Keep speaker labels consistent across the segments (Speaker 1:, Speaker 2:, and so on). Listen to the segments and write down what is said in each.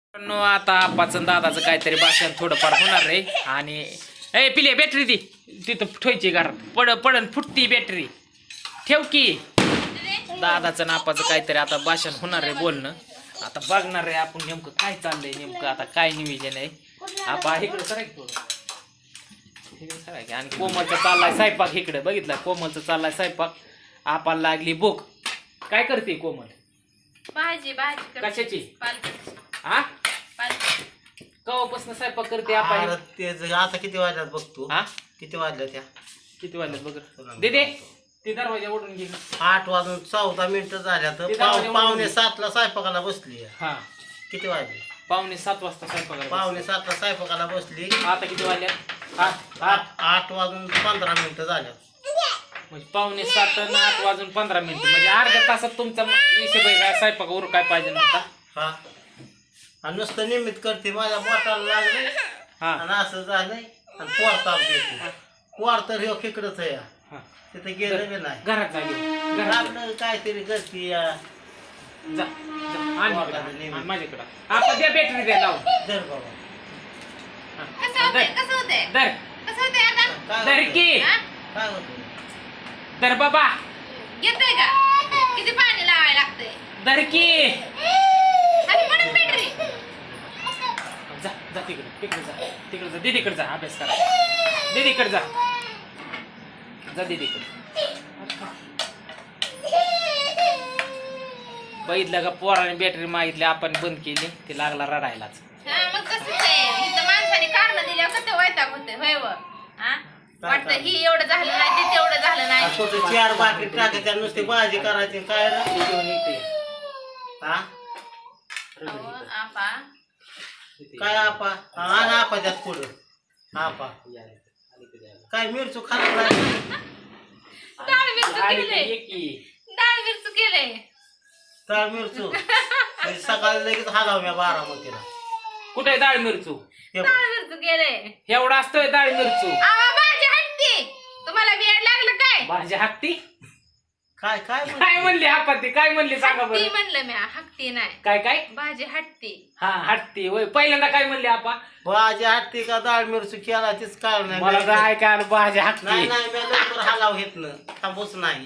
Speaker 1: आता आप्पाचं दादाचं काहीतरी भाषण थोडंफार होणार रे. आणि ए पिले बॅटरी दी तिथं ठेवायची घरात पडन फुटती बॅटरी ठेव की. दादाचं आणि आप्पाचं काहीतरी आता भाषण होणार रे, बोलणं. आता बघणार रे आपण नेमकं काय चाललंय, नेमकं आता काय नियोजन आहे. आपा इकडे सराय थोडं आणि कोमलचं चाललाय स्वयंपाक. इकडे बघितलं कोमलचं चाललाय स्वयंपाक. आपाला लागली भूक. काय करते कोमल?
Speaker 2: भाजी
Speaker 1: कशाची? हा कवापासून स्वयंपाक करते आपण?
Speaker 3: आता किती वाजल्यात बघतो.
Speaker 1: हा
Speaker 3: किती वाजल्या त्या?
Speaker 1: किती वाजल्यात बघ दे ते दरवाजा ओढून घे.
Speaker 3: 8:14 झाल्या तर
Speaker 1: दरवाजा
Speaker 3: 6:45ला स्वयंपाकाला बसली.
Speaker 1: हा
Speaker 3: किती वाजले?
Speaker 1: 6:45 वाजता स्वयंपाक.
Speaker 3: 6:45ला स्वयंपाकाला बसली.
Speaker 1: आता किती वाजल्यात?
Speaker 3: 8:15 झाल्यात.
Speaker 1: म्हणजे 6:45 आणि 8:15 म्हणजे अर्ध्या तासात तुमचा हिशोब आहे काय स्वयंपाक उर काय पाहिजे नव्हता.
Speaker 3: हा आणि नुसतं निमित्त करते माझ्या बोटाला लागले.
Speaker 1: हा
Speaker 3: आणि असं झालंय आणि पोरताप देते. पोर तर ह्यो खेकडच आहे.
Speaker 1: हा.
Speaker 3: तिथे गेलं बी नाही.
Speaker 1: घरात जागे घरात
Speaker 3: आपलं काहीतरी करते.
Speaker 1: जा जा. आणि माझ्याकडं आपण द्या बॅटरी द्या लावून.
Speaker 3: धर बाबा.
Speaker 1: दर दर की
Speaker 3: काय होतं?
Speaker 1: दर बाबा
Speaker 2: येतोय का? किती पाणी लावायला लागतंय?
Speaker 1: दर की.
Speaker 2: आणि म्हणून बॅटरी
Speaker 1: जा जा तिकडे जा दीदीकडे जा अभ्यास करा. दीदीकडे जा दीदीकडे. बघितलं का पोराने बॅटरी मागितली आपण बंद केली. ती लागला रडायलाच.
Speaker 2: मग कसंच आहे. इथं माणसाने कारण दिल्यावर कसं वैताग होते होय व? हा वाटतं ही एवढं झालं नाही ते तेवढं झालं नाही.
Speaker 3: कुठं 4 भाकरी टाकायच्या नुसती भाजी करायची काय रे? हा
Speaker 2: अहो, आपा
Speaker 3: काय आपा? आणि आपा त्यात पुढं आपा काय मिरचू खात नाही.
Speaker 2: डाळ मिरचू केलंय.
Speaker 1: ये की.
Speaker 2: डाळ मिरचू केलंय.
Speaker 3: तर मिरचू म्हणजे सकाळी लगेच हलाव म्या बारामतीला.
Speaker 1: कुठे डाळ मिरचू?
Speaker 3: हे
Speaker 2: डाळ मिरचू केलंय.
Speaker 1: एवढा असतोय डाळ मिरचू?
Speaker 2: आवा भाजी हटते. तुम्हाला वेळ लागलं काय?
Speaker 1: भाजी हाकती.
Speaker 3: काय काय
Speaker 1: काय म्हणली हापती? काय म्हणली सांगा
Speaker 2: हटती
Speaker 1: बरं.
Speaker 2: म्हणलं मी. हकती नाही.
Speaker 1: काय काय?
Speaker 2: भाजी हटते.
Speaker 1: हा हटती होय. पहिल्यांदा काय म्हणली आपा?
Speaker 3: भाजी हटते का डाळ मिरचू केला तीच काळ नाही.
Speaker 1: मला काय काय भाजी हाकती.
Speaker 3: नाही नाही मी लवकर हलाव घेत ना थांबूच नाही.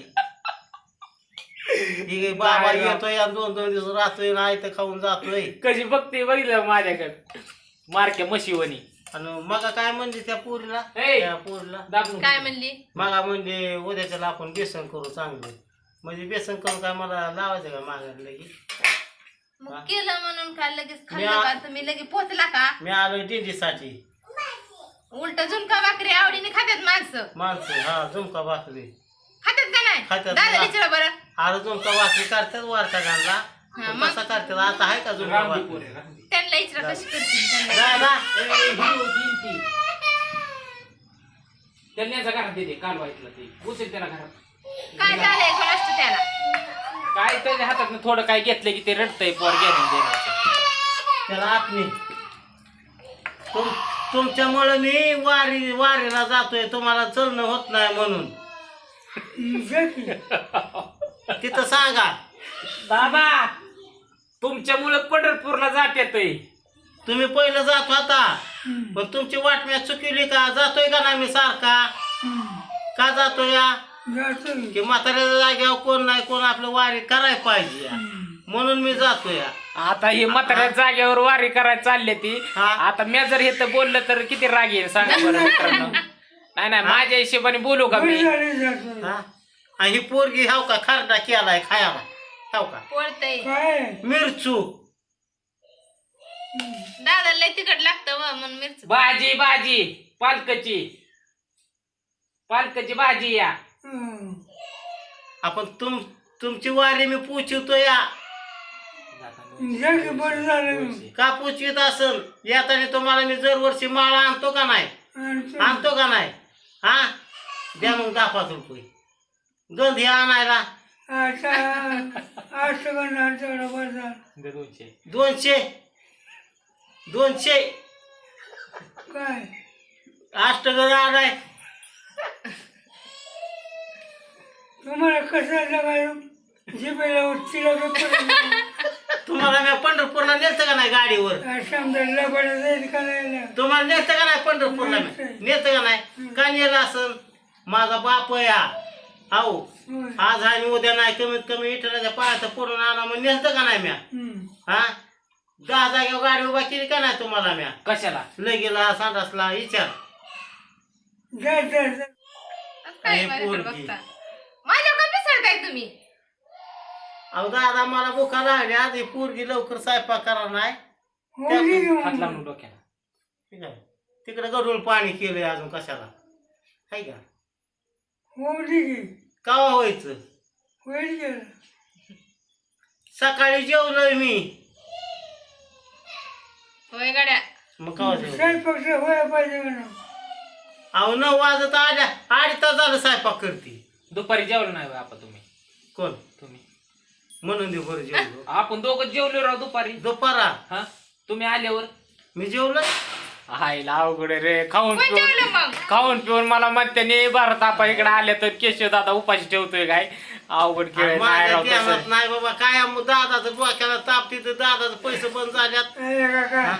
Speaker 3: ही बाबा येतोय आणि 2-2 दिवस राहतोय ना इथं खाऊन जातोय.
Speaker 1: कशी बघते बघितलं माझ्याकडे मारक्या म्हशीवणी.
Speaker 3: आणि मग काय म्हणली त्या पोरीला?
Speaker 1: ए!
Speaker 3: त्या पोरीला
Speaker 1: दाबून
Speaker 2: काय म्हणली?
Speaker 3: मग म्हणजे उद्याच्याला आपण बेसन करू चांगलं. म्हणजे बेसन करून काय मला लावायचं का मागायला की?
Speaker 2: मग केलं म्हणून काय लगेच
Speaker 3: मी
Speaker 2: खाल्लं का? तुम्ही लगेच पोचला का?
Speaker 3: मी आलोय दिंडीसाठी.
Speaker 2: उलट झुणका भाकरी आवडीने खात्यात माणसं.
Speaker 3: माणसं हा झुमका भाकरी
Speaker 2: खात्यात का नाही?
Speaker 3: खात्यात.
Speaker 2: दादा विचारा बरं.
Speaker 3: अरे झुमका भाकरी करतात वारका गाणला.
Speaker 2: हा, मग?
Speaker 3: कसा करतात आता आहे का झुमका भाकरी?
Speaker 2: त्यांना विचारा कशी करतील त्यांना.
Speaker 3: जा, जा.
Speaker 1: त्यांनी घरात देते काल वाईटला ते उचल त्याला घरात.
Speaker 2: काय झालंय कोणाच त्याला?
Speaker 1: काय त्याच्या हातात थोडं काय घेतलं की ते रडतंय पोर घेऊन देण्याचं.
Speaker 3: त्याला आपली तुमच्यामुळे मी वारीला जातोय. तुम्हाला चलणं होत नाही म्हणून तिथं सांगा.
Speaker 1: दादा तुमच्यामुळे पंढरपूरला जात येतोय.
Speaker 3: तुम्ही पहिलं जात होता पण तुमची वाट मी चुकवली का? जातोय का नाही मी सारखा? का जातोय या? की म्हाताऱ्याच्या जाग्यावर कोण नाही कोण आपलं वारी करायला पाहिजे या. म्हणून मी जातोय या.
Speaker 1: आता ही म्हाताऱ्या जागेवर वारी करायला चालली ती.
Speaker 3: हा.
Speaker 1: आता मी जर हे बोललं तर किती राग येईल सांगा बरं मित्रांनो. नाही माझ्या हिशोबाने बोलू का मी?
Speaker 3: हा? आणि ही पोरगी हाव का खरडा केलाय खायला हाव का?
Speaker 2: पोळतय.
Speaker 3: मिरचू
Speaker 2: दादा लय तिखट लागतं व म्हणून मिरची.
Speaker 1: भाजी पालकाची भाजी या.
Speaker 3: आपण तुमची वारी मी पुचिवतो या. का पुचवीत असल येताना तुम्हाला मी दरवर्षी माळा आणतो का नाही? आणतो का नाही? हा द्या मग 10-5 रुपये गंधी आणायला. 200
Speaker 4: काय
Speaker 3: अष्टगंध आणाय.
Speaker 4: तुम्हाला कसं जगायचं? जिभेला तिला
Speaker 3: तुम्हाला मी पंढरपूरला नेलतं का नाही गाडीवर
Speaker 4: समजा लबाडा जाईल का नाही
Speaker 3: तुम्हाला नेलतं का नाही पंढरपूरला नेलतं का नाही का नेलं असं माझा बाप या आहो आज आणि उद्या नाही कमीत कमी विठ्ठलाच्या पायाचं पडून आणा मग नेलतं का नाही म्या हा 10 जागेवर गाडी उभा केली का नाही तुम्हाला म्या
Speaker 1: कशाला
Speaker 3: लगेला सांडासला विचार
Speaker 4: जा जा जा
Speaker 2: काय
Speaker 3: हे
Speaker 2: माझ्याकडे
Speaker 3: पोरगी.
Speaker 2: बघता माझ्या का मिसळताय तुम्ही
Speaker 3: अहो दादा मला भुका लागली आधी पोरगी लवकर स्वयंपाक करा नाही
Speaker 4: हो दे की
Speaker 1: हात
Speaker 4: मग.
Speaker 1: लावून डोक्याला
Speaker 3: ठीक आहे तिकडे गडूळ पाणी केलंय अजून कशाला हाय का
Speaker 4: हो दे की
Speaker 3: कवा व्हायचं
Speaker 4: होईल गेलं
Speaker 3: सकाळी जेवलोय मी
Speaker 2: होय गाड्या
Speaker 3: मग कवा जेवलो
Speaker 4: स्वयंपाक व्हायला पाहिजे म्हणून
Speaker 3: अहो 9 वाजत आल्या 2.5 तास झालं स्वयंपाक करते
Speaker 1: दुपारी जेवलो नाही बा आपण तुम्ही
Speaker 3: कोण
Speaker 1: तुम्ही
Speaker 3: म्हणून दे बरं जेवलो
Speaker 1: आपण दोघं जेवलो राव दुपारी
Speaker 3: दुपारा
Speaker 1: हा तुम्ही आल्यावर
Speaker 3: मी जेवलो
Speaker 1: हायला अवघड आहे रे खाऊन
Speaker 2: कोण जेवलं
Speaker 1: पिऊन
Speaker 2: मग
Speaker 1: खाऊन पिऊन मला म्हणते भारत आपा इकडे आले तर केशव दादा उपाशी ठेवतोय काय अवघड खेळ आहे. नाही
Speaker 3: माझ्या
Speaker 1: राव
Speaker 3: ध्यानात
Speaker 1: तसं.
Speaker 3: नाही बाबा काय दादाचं डोक्याला ताप तिथं दादाचं पैसे बंद झाल्यात
Speaker 4: अरे काका
Speaker 3: हा?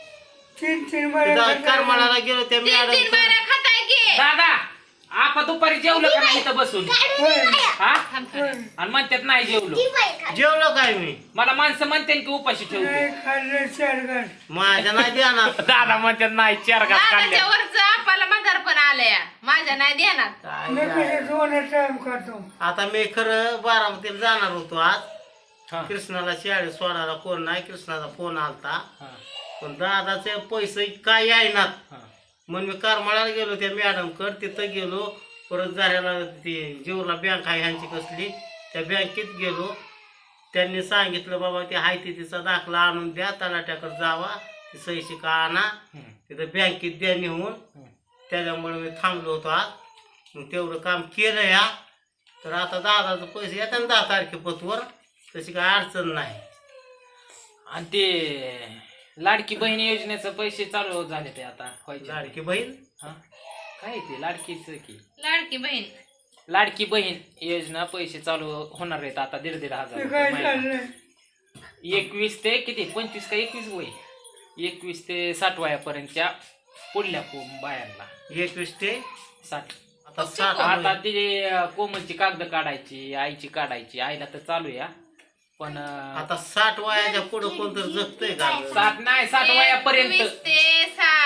Speaker 4: 3 बऱ्या
Speaker 3: करमाळाला गेलो त्या
Speaker 2: 3
Speaker 3: मॅडम
Speaker 2: बाऱ्या खाताय की
Speaker 1: दादा आपा दुपारी जेवलं का नाही इथं बसून
Speaker 4: होय
Speaker 1: हा
Speaker 2: थांब थोडं.
Speaker 1: आणि म्हणतात नाही जेवलो
Speaker 3: जेवलो काय मी
Speaker 1: मला माणसं म्हणते की उपाशी ठेवतो
Speaker 4: नाही खाल्लं 4 घास
Speaker 3: माझ्या नाही ध्यानात
Speaker 1: दादा म्हणतात नाही 4 घास
Speaker 2: दादाच्या
Speaker 1: काढले
Speaker 2: वरच आपल्याला म्हातारपण आलंय माझ्या नाही ध्यानात
Speaker 3: काय
Speaker 4: मी
Speaker 3: नाही.
Speaker 4: कसं 2 टाइम खातो
Speaker 3: आता मी खरं बारामतीला जाणार होतो आज
Speaker 1: हा,
Speaker 3: कृष्णाला शाळेत सोडायला कोण नाही कृष्णाचा फोन आलता
Speaker 1: हा,
Speaker 3: पण दादाचे पैसे काय येईनात
Speaker 1: हा.
Speaker 3: म्हणून मी करमाळ्याला गेलो त्या मॅडम कड तिथं गेलो परत जाऱ्याला ती जीवला बँक आहे ह्यांची कसली त्या बँकेत गेलो त्यांनी सांगितलं बाबा ते हाय तिचा दाखला आणून द्या तलाट्याकडे जावा ती सही शिका आणा
Speaker 1: हम्म,
Speaker 3: तिथं बँकेत द्या निघून
Speaker 1: हम्म.
Speaker 3: त्याच्यामुळे मी थांबलो होतो आज मग तेवढं काम केलं या तर आता दादाचं पैसे येतात ना 10 तारखेपतवर तशी काय अडचण नाही
Speaker 1: आणि ते लाडकी बहीण योजनेचं पैसे चालू झाले ते आता व्हायचे.
Speaker 3: लाडकी बहीण
Speaker 1: हा? काय ते लाडकीच की
Speaker 2: लाडकी बहीण
Speaker 1: लाडकी बहीण योजना पैसे चालू होणार आहेत आता 1.5 हजार
Speaker 4: ते काय
Speaker 1: रुपये महिना.
Speaker 4: चाललंय
Speaker 1: 21 ते किती 25 का 21 वय 21 ते 60 वयापर्यंतच्या पुढल्या बायांना
Speaker 3: 21 ते
Speaker 1: 60
Speaker 3: आता 60
Speaker 1: आता ते कोमलची कागद काढायची आईची काढायची आईला तर चालू या पण
Speaker 3: आता 60 वयाच्या पुढे कोणतरी जगतंय का
Speaker 1: 7 नाही 60 वयापर्यंत
Speaker 2: 21 ते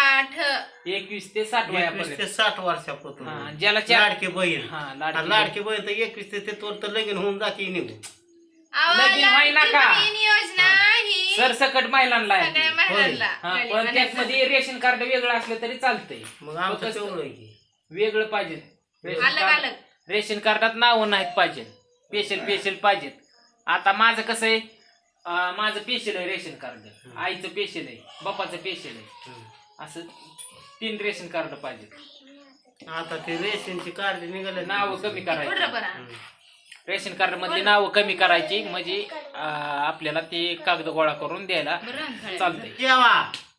Speaker 2: 60
Speaker 1: 21 ते 60
Speaker 3: 21
Speaker 1: वयापर्यंत
Speaker 3: ते 60 वर्षापासून
Speaker 1: हा, ज्याला चार-
Speaker 3: लाडकी बहीण
Speaker 1: हा
Speaker 3: आणि
Speaker 1: लाडकी
Speaker 3: लाडकी बहीण तर 21 ते तर लगीन होऊन जाते निघून
Speaker 2: अहो,
Speaker 1: लगीन होईना
Speaker 2: लाडकी
Speaker 1: का?
Speaker 2: बहीण योजना ही
Speaker 1: सरसकट महिलांना आहे
Speaker 2: सगळ्या
Speaker 1: ती.
Speaker 2: महिलांना
Speaker 1: हा,
Speaker 2: मिळाली
Speaker 1: पण
Speaker 2: म्हणायचं.
Speaker 1: त्यामध्ये रेशन कार्ड वेगळं असलं तरी चालतंय
Speaker 3: मग आमचं
Speaker 1: फक्त
Speaker 3: तेवढं आहे की
Speaker 1: वेगळं पाहिजे रेशन
Speaker 2: अलग
Speaker 1: कार्ड
Speaker 2: अलग
Speaker 1: रेशन कार्डात नावं नाहीत पाहिजे स्पेशल पाहिजेत आता माझं कसं आहे माझं स्पेशल आहे रेशन कार्ड आईचं स्पेशल आहे बापाचं स्पेशल आहे असं 3 रेशन कार्ड पाहिजे
Speaker 3: आता ते रेशनची कार्ड निघाले
Speaker 1: नावं कमी करायची
Speaker 2: बरोबर बरं
Speaker 1: रेशन कार्ड मधली नावं कमी करायची म्हणजे आपल्याला ते कागद गोळा करून द्यायला
Speaker 2: बरं
Speaker 1: चालतंय
Speaker 3: जेवा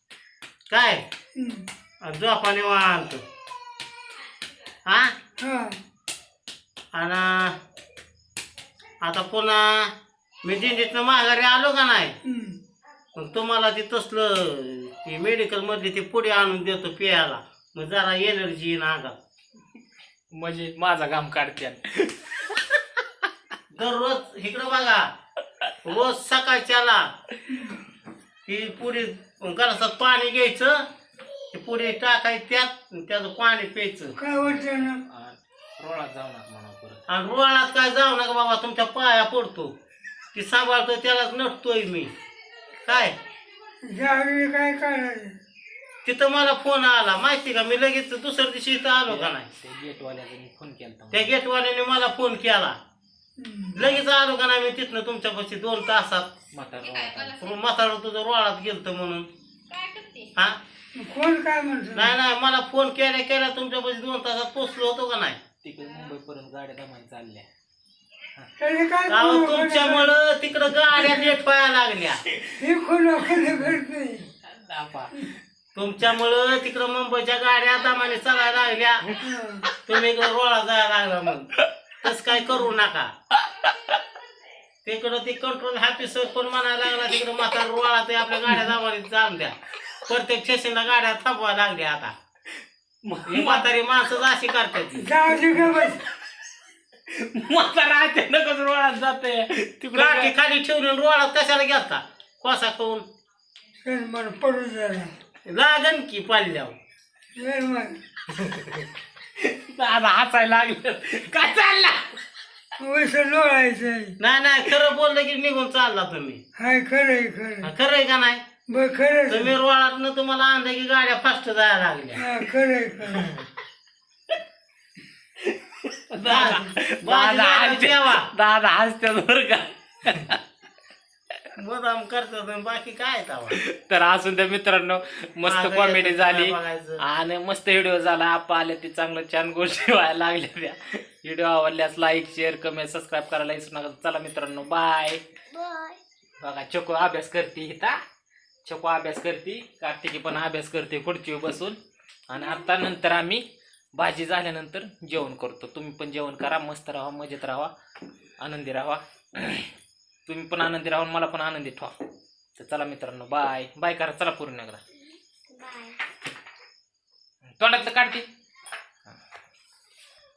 Speaker 3: काय
Speaker 4: हं.
Speaker 3: झोपा निवांत हा
Speaker 4: हा
Speaker 3: आणि आता पुन्हा मी दिंडीतनं माघारी आलो का नाही
Speaker 4: हं.
Speaker 3: मग तुम्हाला ते तसलं ती मेडिकल मधली ती पुढे आणून देतो प्यायला मग जरा एनर्जी येईन अंगात
Speaker 1: म्हणजे माझा घाम काढते
Speaker 3: दररोज इकडं बघा रोज सकाळच्याला ती पुढे गलासात पाणी घ्यायचं ते पुढे टाकायचं त्याचं पाणी प्यायचं
Speaker 4: काय वाटतं ना
Speaker 1: रोळात जाऊ नका म्हणा परत
Speaker 3: आणि रोळात काय जाऊ नका बाबा तुमच्या पाया पडतो ती सांभाळतो त्यालाच नटतोय मी काय
Speaker 4: ज्यावेळी काय करायचं
Speaker 3: तिथं मला फोन आला माहिती का मी लगेच दुसऱ्या दिवशी इथं आलो का नाही
Speaker 1: ते गेटवाल्याचा मी फोन केला
Speaker 3: त्या गेटवाल्याने मला फोन केला
Speaker 4: हं.
Speaker 3: लगेच आलो का नाही मी तिथनं तुमच्यापाशी 2 तासात
Speaker 1: म्हातारा
Speaker 3: म्हातारा तुझं रोळात गेलतं म्हणून
Speaker 2: काय करते
Speaker 3: हा
Speaker 4: कोण काय म्हणतो
Speaker 3: नाही मला फोन केल्या तुमच्यापाशी 2 तासात पोचलो होतो का नाही
Speaker 1: तिकडे मुंबईपर्यंत गाड्या दमाई चालल्या
Speaker 4: त्याचे काय
Speaker 3: अहो, तुमच्यामुळं तिकडं गाड्या लेट व्हायला लागल्या
Speaker 4: हे कोण करते
Speaker 1: दापा.
Speaker 3: तुमच्यामुळं तिकडं मुंबईच्या गाड्या दमाने चालायला लागल्या तुम्ही इकडं रोळा जायला लागला मग तस काय करू नका तिकडं ते कंट्रोल ऑफिसर पण म्हणायला लागला तिकडं म्हातारा रोळा ते आपल्या गाड्या जावारी चालू द्या. प्रत्येक स्टेशनला गाड्या थांबवायला लागल्या आता. ही म्हातारी माणसं अशी करतात ती.
Speaker 4: जाऊ दे ग बस.
Speaker 1: म्हातारा अचानकच रोळात जाते तिकडे
Speaker 3: काठी खाली ठेवली आणि रोळात कशाला गेलता कोसा खाऊन
Speaker 4: चल मला पडून झाला.
Speaker 3: लागन की पाल्यावर.
Speaker 4: चल मग.
Speaker 1: दादा हसायला लागलं. काय चालला
Speaker 4: वैसं लोळायचंय.
Speaker 3: नाही खरं बोललं की निघून चालला तुम्ही.
Speaker 4: हाय खरंय खरं.
Speaker 3: खरं आहे का नाही
Speaker 4: बर खरंच.
Speaker 3: तुम्ही रोळात तुम्हाला आणलं की गाड्या फास्ट जायला लागल्या.
Speaker 4: हा खरंय खरं.
Speaker 1: दादा हसत्यात बरं का.
Speaker 3: मुदाम करतात आणि बाकी काय तवा.
Speaker 1: तर असून त्या मित्रांनो मस्त
Speaker 3: माझं
Speaker 1: कॉमेडी
Speaker 3: येतं
Speaker 1: झाली
Speaker 3: काय बघायचं.
Speaker 1: आणि मस्त व्हिडिओ झाला. आपा आले ते चांगलं छान गोष्टी व्हायला लागल्या त्या. व्हिडिओ आवडल्यास लाईक शेअर कमेंट सबस्क्राईब करायला विसरू नका. चला मित्रांनो बाय. बघा चोको अभ्यास करते इथं. चोको अभ्यास करते. कार्तिकी पण अभ्यास करते खुर्चीवर बसून. आणि आता नंतर आम्ही भाजी झाल्यानंतर जेवण करतो. तुम्ही पण जेवण करा. मस्त राहा मजेत राहा आनंदी राहा. तुम्ही पण आनंदी राहा मला पण आनंदी ठेवा. तर चला मित्रांनो बाय बाय करा. चला पूर्ण एकदा तोंडातलं काढते.